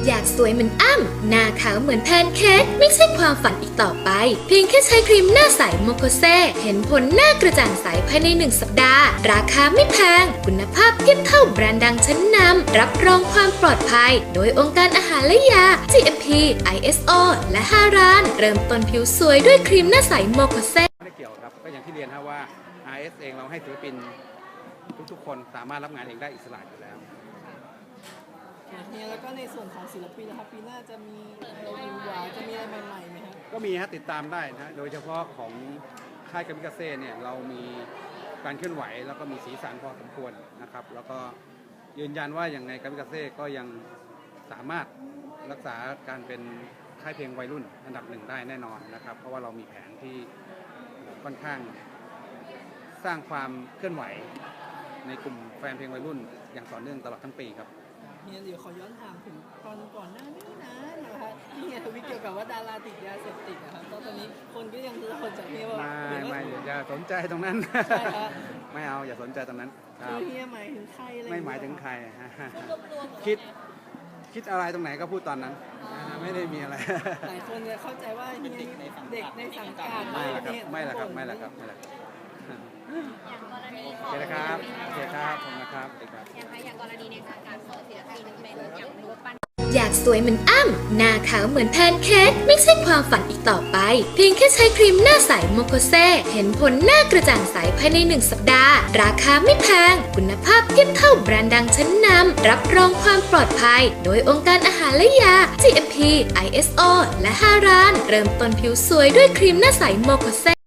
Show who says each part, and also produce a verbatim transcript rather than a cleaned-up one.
Speaker 1: อยากสวยเหมือนอ้ำหน้าขาวเหมือนแพนเค้กไม่ใช่ความฝันอีกต่อไปเพียงแค่ใช้ครีมหน้าใสโมโคเซเห็นผลหน้ากระจ่างใสภายในหนึ่งสัปดาห์ราคาไม่แพงคุณภาพเทียบเท่าแบรนด์ดังชั้นนำรับรองความปลอดภัยโดยองค์การอาหารและยา จี เอ็ม พี ไอ เอส โอ และห้าร้านเริ่มต้นผิวสวยด้วยครีมหน้าใสโมโคเซ
Speaker 2: ไม่ได้เกี่ยวครับก็อย่างที่เรียนครับว่า อาร์ เอส เองเราให้ศิลปินทุกๆคนสามารถรับงานเองได้อิสระอยู่แล้ว
Speaker 3: เนี่ยแล้วก็ในส่วนของศิลปินนะครับปีหน้าจะมีเราวิวหวาจะมีอะไรใหม่ๆไหมครับ
Speaker 2: ก็มีฮะติดตามได้นะโดยเฉพาะของค่ายกามิกาเซ่เนี่ยเรามีการเคลื่อนไหวแล้วก็มีสีสันพอสมควรนะครับแล้วก็ยืนยันว่าอย่างในกามิกาเซ่ก็ยังสามารถรักษาการเป็นค่ายเพลงวัยรุ่นอันดับหนึ่งได้แน่นอนนะครับเพราะว่าเรามีแผนที่ค่อนข้างสร้างความเคลื่อนไหวในกลุ่มแฟนเพลงวัยรุ่นอย่างต่อเนื่องตลอดทั้งปีครับ
Speaker 3: เนี่ยเดี๋ยวขอย้อนถามถึงตอนก่อนหน้านี้นะนะครับที่เฮียทวิตเกี่ยวกับว่าดาราติดยาเสพติดนะครับตอนนี้คนก็ยังรอจากเฮียว่า
Speaker 2: ไม่ไม่อย่าสนใจตรงนั้นไม่เอาอย่าสนใจตรงนั้น
Speaker 3: คือเฮียหมายถึงใครอะไร
Speaker 2: ไม่หมายถึงใครคิดคิดอะไรตรงไหนก็พูดตอนนั้นไม่ได้มีอะไร
Speaker 3: หลายคนจะเข้าใจว่าเฮียเด็กในสังกัด
Speaker 2: ไม่ละครับไม่ละครับไม่ละครับไม่ละ
Speaker 4: อย่างกรณีข
Speaker 2: โอ
Speaker 4: อง
Speaker 2: เคนะครับโอเคครับผมนะครับ
Speaker 4: อย่างไรอย่างกรณีในการสอนศิลปินเป็นอย่างรูปปั้น
Speaker 1: อยากสวยเหมือนอ้ำหน้าขาวเหมือนแพนเค้กไม่ใช่ความฝันอีกต่อไปเพียงแค่ใช้ครีมหน้าใสโมโคเซเห็นผลหน้ากระจ่างใสภายในหนึ่งสัปดาห์ราคาไม่แพงคุณภาพเทียบเท่าแบรนด์ดังชั้นนำรับรองความปลอดภัยโดยองค์การอาหารและยา จี เอ็ม พี ไอ เอส โอ และห้าร้านเริ่มต้นผิวสวยด้วยครีมหน้าใสโมโคเซ